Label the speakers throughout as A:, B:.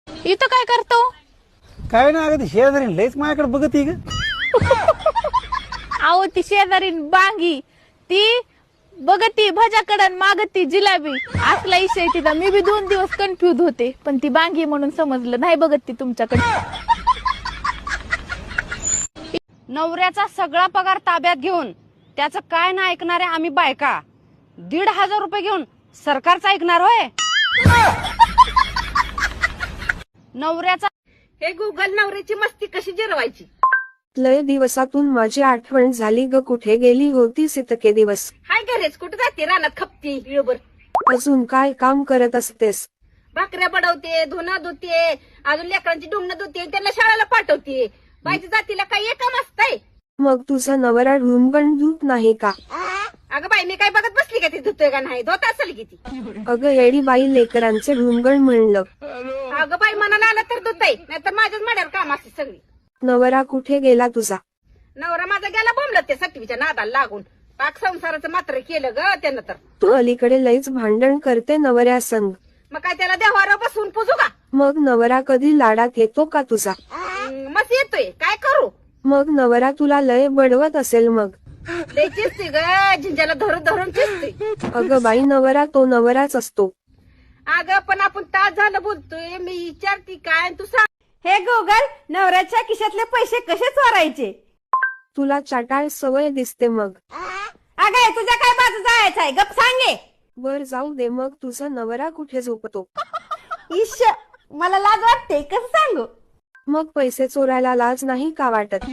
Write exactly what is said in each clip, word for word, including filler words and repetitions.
A: इथं काय करतो?
B: काय ना अगं ती शेजारी लयच माझ्याकडे बघत ग.
A: अहो ती शेजारीन बांगी ती बघती भजाकडन मागती जिलाबी असला इशय तिचा. मी बी दोन दिवस कन्फ्युज होते पण ती बांगी म्हणून समजलं नाही बघत ती तुमच्याकडे.
C: नवऱ्याचा सगळा पगार ताब्यात घेऊन त्याचं काय ना ऐकणारे आम्ही बायका दीड हजार रुपये घेऊन सरकारचं ऐकणार होय. नवऱ्याचा
D: हे गुगल नवऱ्याची मस्ती कशी जिरवायची.
E: लय दिवसातून माझी आठवण झाली ग. कुठे गेली होतीस इतके दिवस?
D: हाय घरेच कुठे जाते रानात खपती वेळभर.
E: अजून काय काम करत असतेस?
D: भाकऱ्या बडवते, धुणं धुते, अजून लेकरांची डुंगणं धुते, त्यांना शाळेला पाठवते. बाईच्या जातीला काही एक काम असतंय.
E: मग तुझा नवरा ढुंगण धुत नाही का?
D: अगं बाई मी काय बघत बसली का ती धुतोय का नाही? धुत असेल की ती.
E: अगं येडी बाई, लेकरांचे ढुंगण म्हणलं.
D: अगं बाई मनाला आलं तर धुतय, नाहीतर माझ्याच माड्यावर काम असते सगळी.
E: नवरा कुठे गेला तुझा?
D: नवरा माझा गेला बोंबलत ते सटवीच्या नादाला लागून. पाक संसाराचं मात्र केलं ग त्यानं तर.
E: तू अलीकडे लईच भांडण करते नवऱ्या संग.
D: मग काय त्याला देवावर बसून पुजू का?
E: मग नवरा कधी लाडात येतो का तुझा?
D: हम्म, मस्त येतोय काय करू.
E: मग नवरा तुला लय बडवत असेल मग.
D: लय चिसते ग, झिंजाला धरून धरून चिसते.
E: अगं बाई, नवरा तो नवराच असतो.
D: अगं पण आपण तास झालं बोलतोय, मी विचारती काय आणि तू सांग.
C: हे गुगल नवऱ्याच्या खिशातले पैसे कसे चोरायचे?
E: तुला चाटाळ सवय दिसते मग.
C: अगं तुझ्या काय बाजू जायचं आहे गप सांगे.
E: वर जाऊ दे, मग तुझा नवरा कुठे झोपतो?
C: ईश मला लाज वाटते कसं सांगू.
E: मग पैसे चोरायला लाज नाही का वाटत?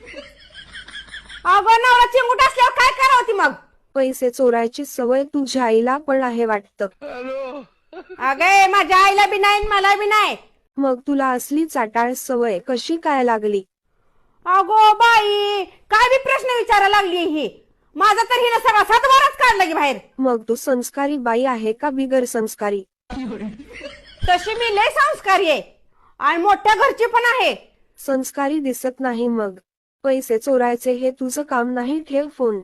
C: अगं नवरा चिंगूट असल्यावर काय करावं ती मग?
E: पैसे चोरायची सवय तुझ्या आईला पण आहे वाटतं.
C: अगं माझ्या आईला बी नाही मला बी नाही.
E: मग तुला असली चाटाळ सवय कशी काय लागली?
C: अगो बाई काय बी प्रश्न विचारायला लागली ही. माझा तर हिनं सगळा सातबाराच काढला की बाहेर.
E: मग तू संस्कारी बाई आहे का बिगर संस्कारी?
C: तशी मी लय संस्कारी आहे आणि मोठ्या घरची पण आहे.
E: संस्कारी दिसत नाही मग. पैसे चोरायचे हे तुझं काम नाही, ठेव फोन.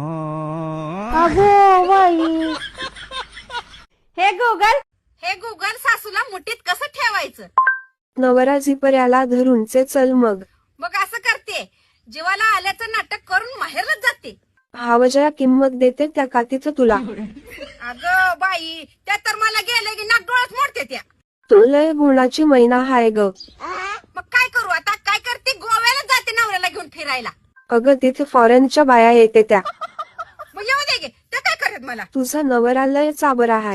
C: अगो बाई. हे गुगल
D: हे गुगल सासूला मुठीत कसं ठेवायचं.
E: नवरा झिपर्याला धरूनचे चल मग.
D: मग असं करते, जीवाला आल्याचं नाटक करून माहेरच जाते.
E: हावजया किंमत देते त्या का तिथं तुला?
D: अगं बाई त्या तर मला गेले की नाक डोळ्यात मोडते त्या.
E: तू लय गुणाची मैना हाय ग.
D: मग काय करू आता, काय करते, गोव्याला जाते नवऱ्याला घेऊन फिरायला.
E: अगं तिथे फॉरेनच्या बाया येते त्या.
D: मग येऊ दे गे, त्या काय करत मला.
E: तुझा नवरा लय चाबरा हाय.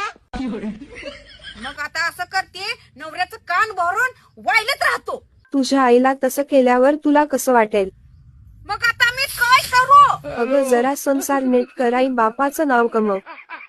D: मग आता असं करते, नवऱ्याचं कान भरून वाईलत राहतो.
E: तुझ्या आईला तसं केल्यावर तुला कसं वाटेल?
D: मग आता मी काय करू.
E: अगं जरा संसार नीट कराई, बापाचं नाव कमव.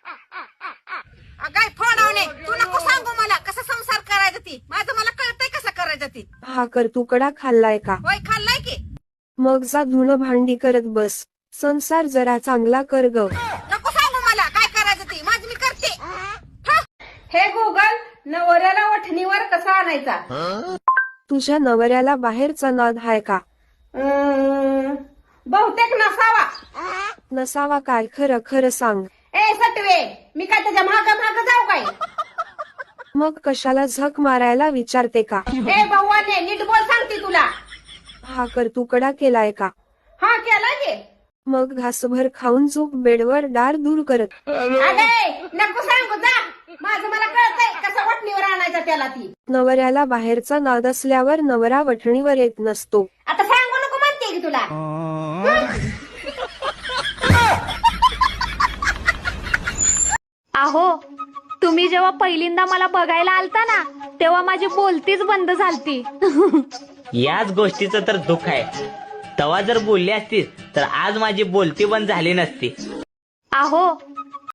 D: अगाय फोडावणे, तू नको सांगू मला कसं संसार करायचं ती. माझं मला कळतंय कसं करायचं ती.
E: हा कर तुकडा खाल्लाय का?
D: होय खाल्लाय की.
E: मग जा धुणं भांडी करत बस. संसार जरा चांगला कर ग.
D: नको सांगू मला काय करायचं ती, माझं मी करते. हा. हे गुगल नवऱ्याला वठणीवर कसा आणायचा.
E: तुझ्या नवऱ्याला बाहेरचा नाद हाय का?
D: अं, बहुतेक नसावा.
E: नसावा काय? खरं खरं सांग.
D: ए सटवे, मी काय त्याच्या माग माग जाऊ काय.
E: मग कशाला झक मारायला विचारते का?
D: ए भावाने नीट बोल सांगते तुला.
E: हा कर तुकडा केलाय का?
D: हा केला की.
E: मग घासभर खाऊन झोप बेडवर, दार दूर करत.
D: अगे नको सांगू जा, माझं मला कळतंय कसं वठणीवर आणायचं त्याला ती.
E: नवऱ्याला बाहेरचा नाद असल्यावर नवरा वठणीवर येत नसतो.
D: आता सांगू नको म्हणते की तुला.
A: अहो तुम्ही जेव्हा पहिल्यांदा मला बघायला आलता ना तेव्हा माझी बोलतीच बंद झालती.
F: याच गोष्टीचं तर दुःख आहे. तवा जर बोलली असतीस तर आज माझी बोलती बंद झाली नसती.
A: अहो